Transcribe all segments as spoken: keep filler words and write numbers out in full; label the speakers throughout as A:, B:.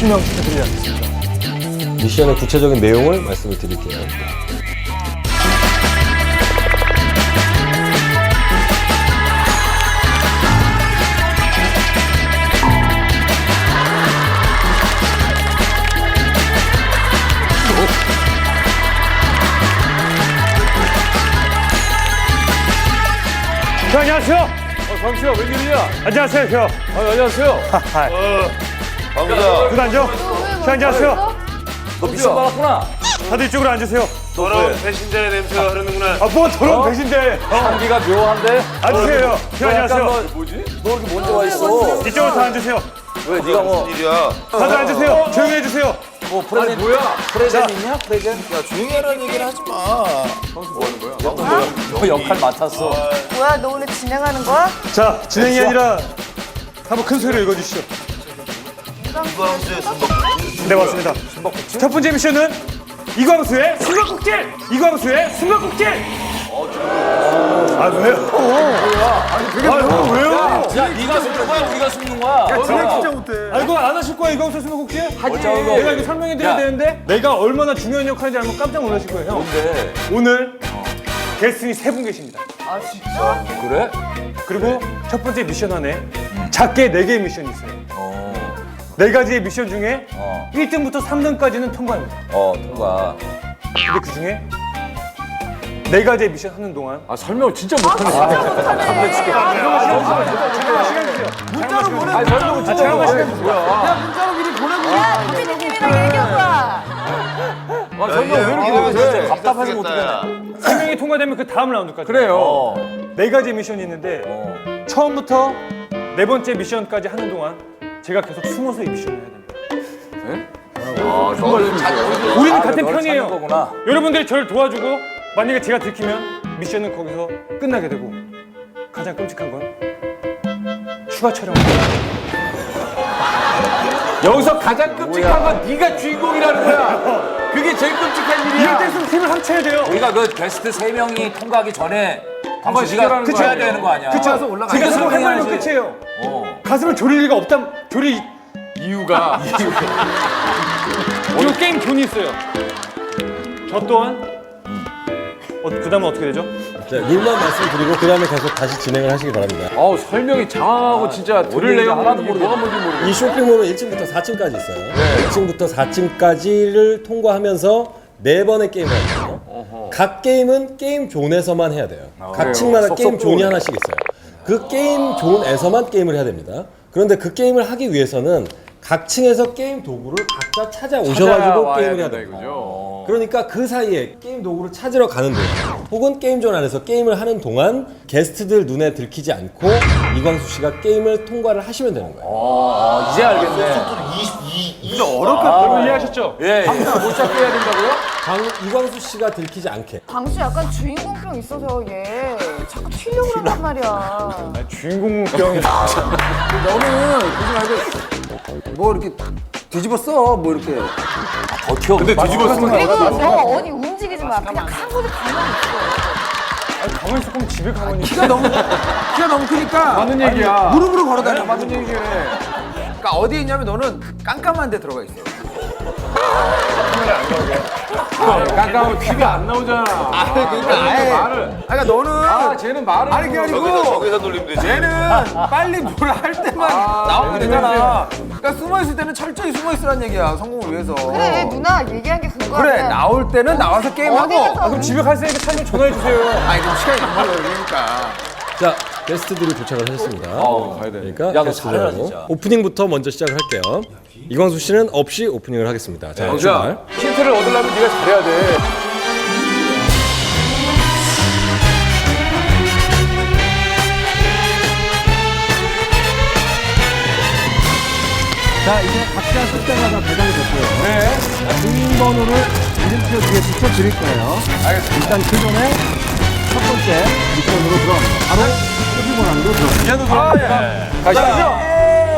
A: 실명시켜드리지 않겠습니다.
B: 미션의 구체적인 내용을 말씀을 드릴게요.
A: 형, 안녕하세요.
C: 어, 광수야, 웬일이야?
A: 안녕하세요, 형.
C: 아, 안녕하세요.
A: 어,
C: 광수야.
A: 그 앉아. 형, 안녕하세요.
C: 너 미션 받았구나.
A: 다들 이쪽으로 앉으세요.
D: 더러운 배신자의 냄새가 흐르는구나.
A: 아, 뭐 더러운
C: 어?
A: 배신데.
C: 향기가 묘한데?
A: 앉으세요, 형. 형,
C: 너 약간
A: 안녕하세요.
C: 너, 뭐지? 너 이렇게 먼저 와 있어.
A: 이쪽으로 다 앉으세요.
C: 왜 네가 뭐,
D: 일이야.
A: 다들 앉으세요. 조용히 해주세요.
C: 뭐 프레젠 뭐야? 프레젠 있냐? 프레젠?
D: 야 조용히 하라는 얘기를 하지 마.
C: 너 역할 맡았어.
E: 뭐야, 너 오늘 진행하는 거야?
A: 자, 진행이 아니라 한번 큰 소리로 읽어주시죠.
D: 이광수의 순박.
A: 네, 맞습니다. 첫 번째 미션은 이광수의 숨바꼭질! 이광수의 숨바꼭질! 아, 왜요? 아니, 그게 아, 왜요?
C: 야, 네가 숨는 거야? 우리가 숨는 거야? 야,
A: 진행 진짜 못해. 아, 이거 안 하실 거야, 이광수 숨바꼭질?
C: 하지.
A: 내가 이거 설명해 드려야
C: 야.
A: 되는데 내가 얼마나 중요한 역할인지 알면 깜짝 놀라실 거예요, 형.
C: 근데
A: 오늘 게스트이 세 분 계십니다.
E: 아, 진짜?
C: 그래?
A: 그리고 첫 번째 미션 안에 작게 네 개의 미션이 있어요.
C: 어,
A: 네 가지의 미션 중에
C: 어,
A: 일 등부터 삼 등까지는 통과합니다.
C: 어, 통과.
A: 근데 그 중에 네 가지의 미션 하는 동안
C: 아, 설명 진짜 못하네.
A: 문자로 보내.
C: 아니, 설명은 진짜
A: 잠깐만
C: 못해.
A: 시간
C: 뭐야?
E: 야, 피디님이랑 얘기해봐.
C: 아, 설명 왜 이렇게 못해? 답답하게 못하겠네.
A: 세 명이 통과되면 그 다음 라운드까지.
C: 그래요. 어.
A: 네 가지 미션이 있는데
C: 어.
A: 처음부터 네 번째 미션까지 하는 동안 제가 계속 숨어서 이 미션을 해야 됩니다.
C: 아, 정말
A: 우리는
C: 아,
A: 같은
C: 너를
A: 편이에요.
C: 찾는 거구나.
A: 여러분들이 저를 도와주고 만약에 제가 들키면 미션은 거기서 끝나게 되고 가장 끔찍한 건 추가 촬영.
C: 여기서 가장 끔찍한 건 네가 주인공이라는 거야. 그게 제일 끔찍한
A: 이럴
C: 일이야.
A: 때일수록 힘을 합쳐야 돼요.
C: 우리가 그 게스트 세 명이 통과하기 전에 광수 씨가
A: 시켜라는
C: 그쳐야
A: 거야.
C: 되는 거 아니야?
A: 그쵸? 제가 서로 해말면 끝이에요.
C: 어.
A: 가슴을 졸일 리가 없다. 졸일
C: 이유가
A: 이 게임 돈이 있어요. 저 또한 어, 그 다음은 어떻게 되죠?
B: 자, 룰만 말씀드리고 그 다음에 계속 다시 진행을 하시기 바랍니다.
F: 어우 설명이 장황하고 진짜 들을 내용
C: 하나도
F: 뭐가 뭔지 모르겠어.
B: 이 쇼핑몰은 일 층부터 사 층까지 있어요. 일 층부터 사 층까지를 통과하면서 네 번의 게임을 하거든요. 각 게임은 게임 존에서만 해야 돼요. 각
F: 그래요?
B: 층마다
F: 쏙쏙
B: 게임 존이
F: 들어오네.
B: 하나씩 있어요. 그 게임 존에서만 게임을 해야 됩니다. 그런데 그 게임을 하기 위해서는 각 층에서 게임 도구를 각자 찾아오셔가지고 게임을 해야 됩니다.
F: 이거죠.
B: 그러니까 그 사이에 게임 도구를 찾으러 가는 동안 혹은 게임존 안에서 게임을 하는 동안 게스트들 눈에 들키지 않고 이광수 씨가 게임을 통과를 하시면 되는 거예요.
C: 어, 이제 알겠네.
D: 근데 어렵게
A: 여러분 이해하셨죠?
C: 예.
F: 못 잡게 해야 된다고요?
B: 강, 이광수 씨가 들키지 않게.
E: 광수 약간 주인공병 있어서 얘 자꾸 튀려고 그런단 말이야.
A: 주인공병이
F: 너는 그러지 말고 뭐 이렇게 뒤집어 써. 뭐 이렇게.
C: 버텨. 근데
F: 뒤집어 쓰는
E: 그리고 너 어디 움직이지 마. 그냥 가만히 가만히 있어.
A: 가만히 있을 거면 집에 가만히
F: 키가 너무 키가 너무 크니까
A: 맞는 얘기야.
F: 무릎으로 걸어다녀. 맞는 얘기래. 그러니까 어디에 있냐면 너는 깜깜한 데 들어가 있어. 아, 깜깜하면 티가 안 나오잖아. 아, 그러니까 아예 말을. 그러니까 너는
C: 아, 쟤는 말을
F: 아니 그게
D: 저기서
F: 아니고
D: 저기서 놀리면 되지.
F: 얘는 빨리 뭘 할 때만 나오면 되잖아. 그러니까 숨어 있을 때는 철저히 숨어 있으란 얘기야. 성공을 위해서.
E: 그래, 누나 얘기한 게 그거야.
F: 그래 나올 때는 나와서 게임하고.
E: 어디에서
A: 아, 그럼 집에 갈 때니까 차좀 전화해 주세요.
F: 아니 좀 시간이 너무 걸리니까.
B: 자, 게스트들이 도착을 하셨습니다.
C: 어,
B: 그러니까
C: 야, 너
B: 게스트들하고
C: 잘해라, 진짜.
B: 오프닝부터 먼저 시작을 할게요. 이광수 씨는 없이 오프닝을 하겠습니다. 자, 출발.
F: 힌트를 얻으려면 네가 잘해야 돼.
G: 자, 이제 각자 숫자가 다 배당이 됐고요. 네. 등번호를 이름표 뒤에 붙여드릴 거예요. 알겠습니다. 일단 그 전에 첫 번째 미션으로 들어갑니다. 바로 쇼핑몰 안으로 들어갑니다.
F: 가시죠.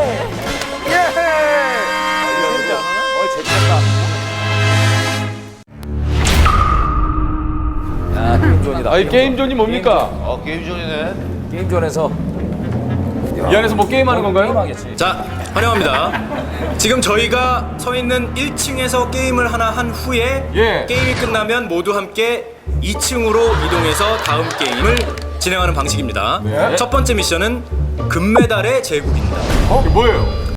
C: 야, 게임존이다.
F: 아이 게임존이 뭡니까?
D: 어 게임 중이네.
C: 게임존에서
F: 이 안에서 뭐 게임하는 건가요?
C: 게임하겠지.
D: 자
H: 환영합니다. 지금 저희가 서 있는 일 층에서 게임을 하나 한 후에
C: 예.
H: 게임이 끝나면 모두 함께 이 층으로 이동해서 다음 게임을 진행하는 방식입니다. 첫 번째 미션은 금메달의 제국입니다.
C: 어? 이게 뭐예요?